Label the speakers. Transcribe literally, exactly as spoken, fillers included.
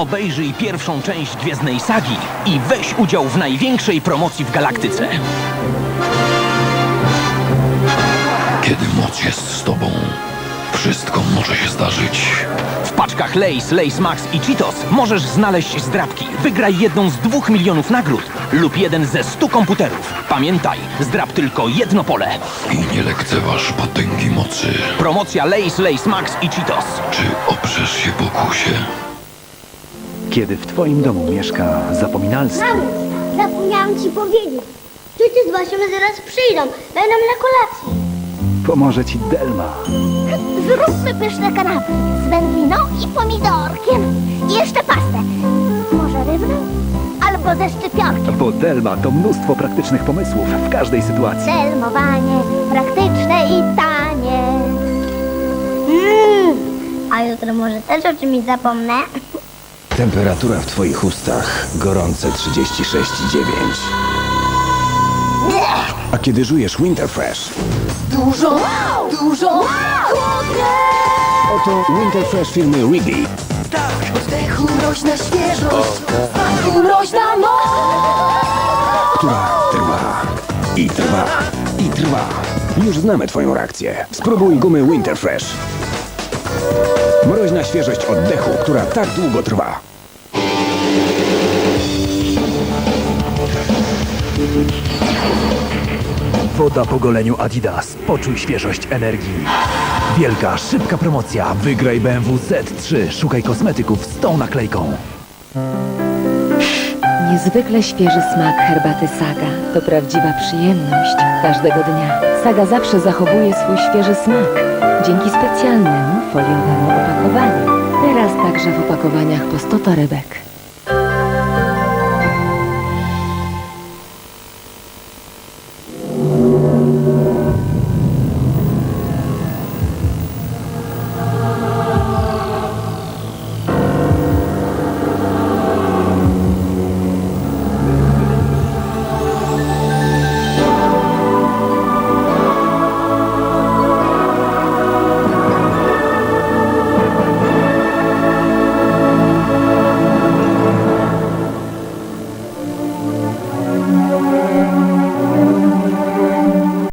Speaker 1: Obejrzyj pierwszą część Gwiezdnej Sagi i weź udział w największej promocji w galaktyce.
Speaker 2: Kiedy moc jest z tobą, wszystko może się zdarzyć.
Speaker 1: W paczkach Lay's, Lay's Max i Cheetos możesz znaleźć zdrabki. Wygraj jedną z dwóch milionów nagród lub jeden ze stu komputerów. Pamiętaj, zdrab tylko jedno pole.
Speaker 2: I nie lekceważ potęgi mocy.
Speaker 1: Promocja Lay's, Lay's Max i Cheetos.
Speaker 2: Czy oprzesz się pokusie?
Speaker 3: Kiedy w twoim domu mieszka zapominalstwo,
Speaker 4: Mamo, zapomniałam ci powiedzieć. Ciocia z Basią zaraz przyjdą. Będą na kolacji.
Speaker 3: pomoże ci Delma.
Speaker 4: Zróbmy pyszne kanapki z wędliną i pomidorkiem. I jeszcze pastę. Może rybną? Albo ze szczypiorkiem.
Speaker 3: Bo Delma to mnóstwo praktycznych pomysłów w każdej sytuacji.
Speaker 4: Selmowanie, praktyczne i tanie. Mm. A jutro może też o czymś zapomnę?
Speaker 5: Temperatura w twoich ustach gorące trzydzieści sześć i dziewięć. A kiedy żujesz Winterfresh,
Speaker 4: Dużo, dużo, chłodnie!
Speaker 5: oto Winterfresh firmy Wrigley.
Speaker 4: Oddechu mroźna świeżość, smaku mroźna moc.
Speaker 5: Która trwa i trwa i trwa. Już znamy twoją reakcję. Spróbuj gumy Winterfresh. Mroźna świeżość oddechu, która tak długo trwa.
Speaker 3: Woda po goleniu Adidas. Poczuj świeżość energii. Wielka, szybka promocja. Wygraj B M W Z trzy. Szukaj kosmetyków z tą naklejką.
Speaker 6: Niezwykle świeży smak herbaty Saga to prawdziwa przyjemność każdego dnia. Saga zawsze zachowuje swój świeży smak dzięki specjalnemu foliowemu opakowaniu. Teraz także w opakowaniach po sto torebek.